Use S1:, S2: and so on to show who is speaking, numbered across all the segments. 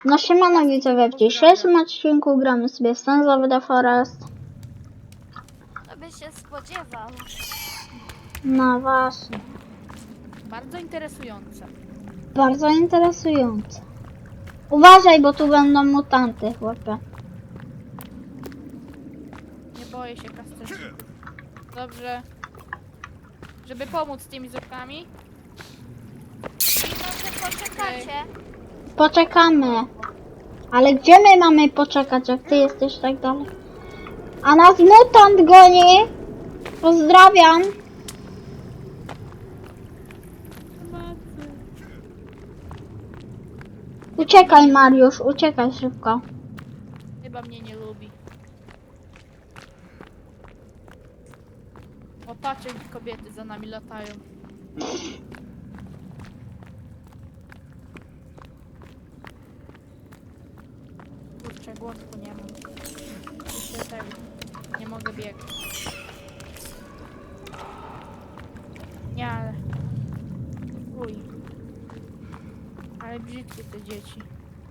S1: No siemano widzowie, w dzisiejszym odcinku gramy sobie Sons of the Forest.
S2: To by się spodziewał.
S1: No właśnie,
S3: Bardzo interesujące.
S1: bardzo interesujące. Uważaj, bo tu będą mutanty, chłopie.
S3: Nie boję się kastraczników. Dobrze. Żeby pomóc z tymi zupkami.
S2: I może poczekacie.
S1: Poczekamy. Ale gdzie my mamy poczekać, jak ty jesteś tak dalej? A nas mutant goni! Pozdrawiam! Uciekaj Mariusz, uciekaj szybko.
S3: Chyba mnie nie lubi. O, patrz, jak kobiety za nami latają. Kurczę, głosku nie mam. Jeszcze tego. Nie mogę biegać. Nie, ale... Uj. Ale brzydkie te dzieci.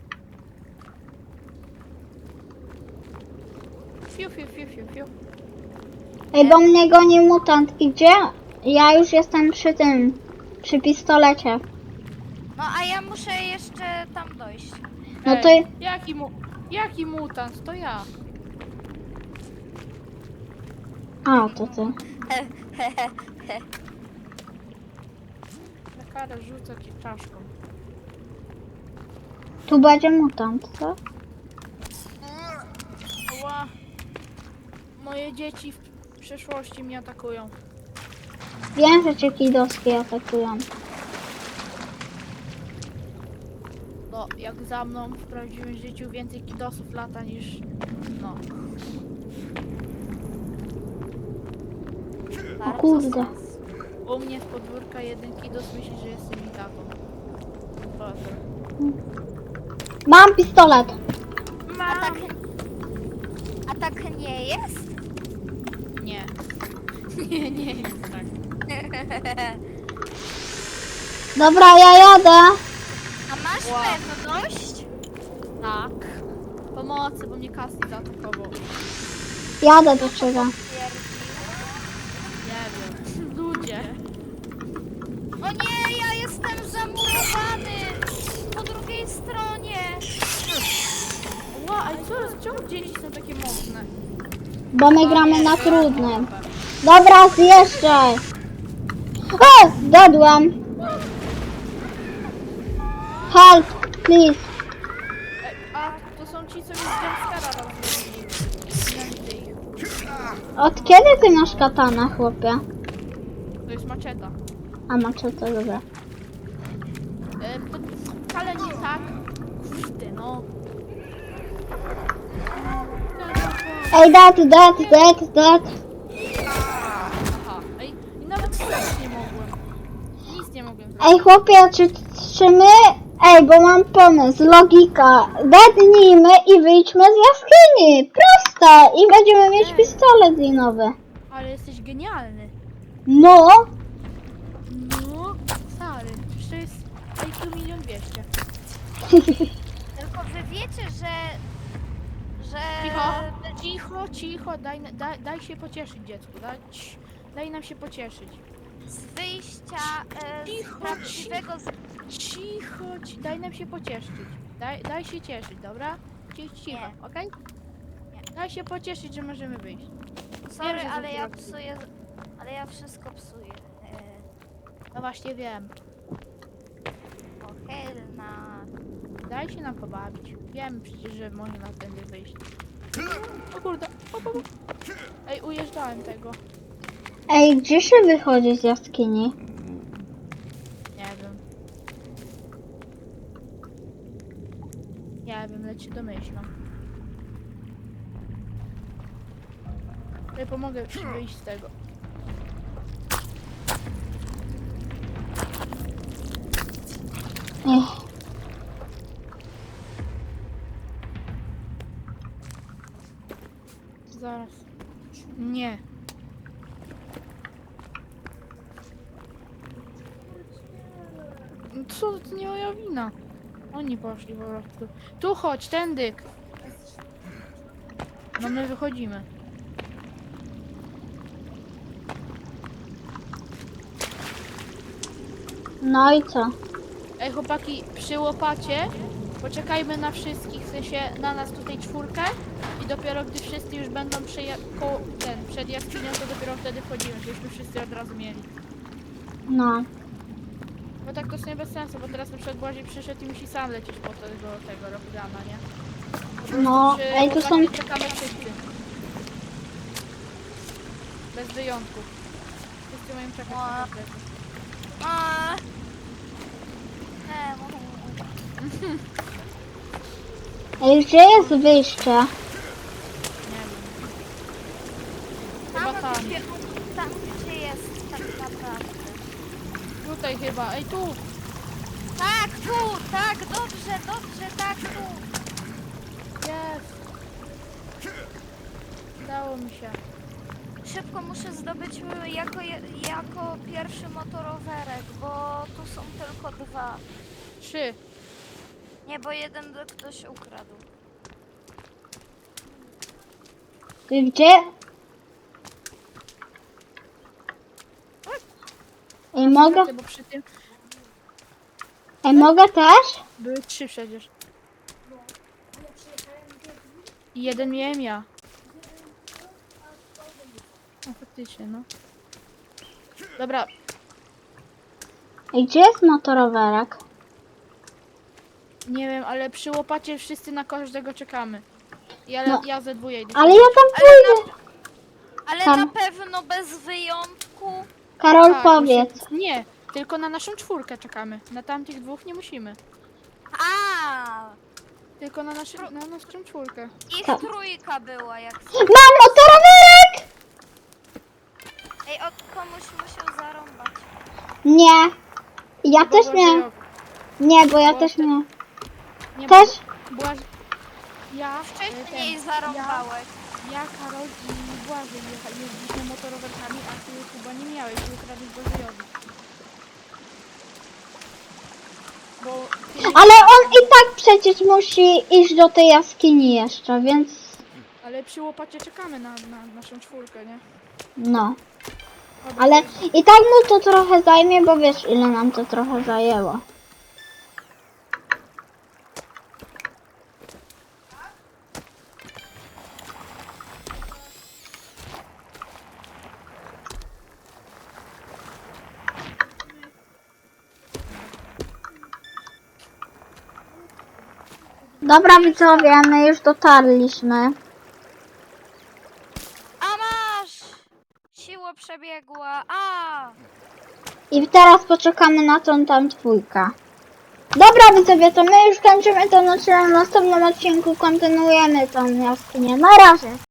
S3: Fiu, fiu, fiu, fiu, fiu.
S1: Ej, bo mnie goni mutant. I gdzie? Ja już jestem przy tym, przy pistolecie.
S2: No a ja muszę jeszcze tam dojść.
S1: No to
S3: Ej, jaki mutant? To ja.
S1: A, to ty.
S3: Na karę rzucę ci czaszką.
S1: Tu będzie mutant, co?
S3: Ła. Moje dzieci w przyszłości mnie atakują.
S1: Wiem, że cię kidowskie atakują.
S3: No, jak za mną w prawdziwym życiu więcej kidosów lata niż... No.
S1: O kurde.
S3: U mnie z podwórka jeden kidos myśli, że jestem ich tatą. Potem.
S1: Mam pistolet.
S2: A tak nie jest?
S3: Nie. Nie jest tak.
S1: Dobra, ja jadę.
S2: A masz
S3: Wow.
S2: pewność?
S3: Tak. Pomocy, bo mnie Cassie zaatakował.
S1: Jadę do ciebie.
S3: Nie wiem. Ludzie.
S2: O nie, ja jestem zamurowany po drugiej stronie.
S3: Ła, ale czemu dzieci są takie mocne?
S1: Bo my gramy na trudnym. Dobra, zjeżdżaj. O, zgadłem. Help, please.
S3: A, to są ci, co mi z jumpscara rozwalili. Nienawidzę ich.
S1: Od kiedy ty masz katanę, chłopie?
S3: To jest maczeta.
S1: A maczetę, dobra.
S3: To wcale nie tak. Kurde, no.
S1: Ej, dead.
S3: Aha, ej, i nawet strzelać nie mogłem. Nic nie mogłem zrobić.
S1: Ej, chłopie, czy my... Ej, bo mam pomysł, logika. Dednijmy i wyjdźmy z jaskini. Proste. I będziemy mieć pistolet linowy.
S3: Ale jesteś genialny.
S1: No.
S3: No, stary, przecież to jest IQ 1 200 000.
S2: Tylko wy wiecie, że...
S3: Cicho, daj się pocieszyć, dziecku. Daj nam się pocieszyć.
S2: z wyjścia
S3: Cicho,
S2: z prawdziwego...
S3: daj nam się pocieszyć. Daj się cieszyć, dobra? Cicho,
S2: Nie.
S3: okej?
S2: Nie.
S3: Daj się pocieszyć, że możemy wyjść.
S2: Sorry,
S3: Wiem, że
S2: ale
S3: to
S2: ja
S3: zrobię.
S2: psuję... Ale ja wszystko psuję.
S3: No właśnie wiem.
S2: O, Helena.
S3: Daj się nam pobawić. Wiem przecież, że można tędy wyjść. O kurde, o. Ej, ujeżdżałem tego.
S1: Ej, gdzie się wychodzi z jaskini?
S3: Nie wiem. Nie wiem, lecz się domyślam. Ja pomogę ci wyjść z tego.
S1: Ech.
S3: Zaraz. Nie. Co? To nie moja wina. Oni poszli po prostu. Tu chodź, tędy. No my wychodzimy.
S1: No i co?
S3: Ej chłopaki, przy łopacie poczekajmy na wszystkich, w sensie na nas tutaj 4 i dopiero gdy wszyscy już będą przed jaskinią, to dopiero wtedy wchodzimy, żebyśmy wszyscy od razu mieli.
S1: No.
S3: Bo tak to jest nie bez sensu, bo teraz na przykład Błażej przyszedł i musi sam lecieć po tego Rockdana, nie?
S1: No,
S3: Przy
S1: ej, tu są...
S3: łopacie czekamy wszyscy. Bez wyjątków. Wszyscy mają czekać na każdego.
S2: A.
S1: Ej, gdzie jest wyjście?
S3: Nie wiem. Chyba tam.
S2: Tam gdzie jest tak naprawdę.
S3: Tutaj chyba, ej tu!
S2: Tak, tu, tak, dobrze, tak, tu.
S3: Jest! Udało mi się.
S2: Szybko muszę zdobyć jako pierwszy motorowerek, bo tu są tylko 2.
S3: 3.
S2: Nie, bo jeden ktoś ukradł.
S1: Ty gdzie? Ej, mogę?
S3: Bo przy tym
S1: Ej, mogę też?
S3: były 3 przecież. I jeden miałem ja. No faktycznie, no. Dobra,
S1: Ej, gdzie jest motorowerek?
S3: nie wiem, ale przy łopacie wszyscy na każdego czekamy.
S1: No.
S3: Ja ze dwóje idę.
S1: Ale ja tam pójdę.
S2: Ale
S1: Tam.
S2: na pewno bez wyjątku.
S1: Karol,
S3: Tak,
S1: powiedz.
S3: Nie, tylko na naszą 4 czekamy. Na tamtych 2 nie musimy.
S2: A,
S3: Tylko na naszą 4.
S2: ich
S1: Tak.
S2: 3 była jak.
S1: Mam motorowerek!
S2: Ej, od komuś musiał zarąbać.
S1: Nie. Ja też nie. Nie, bo ja
S3: Bo
S1: też
S3: te-
S1: nie.
S3: Nie,
S1: Też?
S3: Była... Ja,
S2: Wcześniej zarąbałeś.
S3: ja, Karol i Błażej jeździliśmy motorowerkami, a ty chyba nie miałeś, ty ukradłeś Błażejowi. Bo ty...
S1: Ale on i tak przecież musi iść do tej jaskini jeszcze, więc...
S3: Ale przy łopacie czekamy na naszą 4, nie?
S1: No.
S3: Dobra,
S1: Ale i tak mu to trochę zajmie, bo wiesz ile nam to trochę zajęło. Dobra widzowie, my już dotarliśmy.
S2: A masz! Siła przebiegła. A!
S1: I teraz poczekamy na tą tam 2. Dobra widzowie, to my już kończymy ten odcinek. W następnym odcinku kontynuujemy tą jaskinię. Na razie.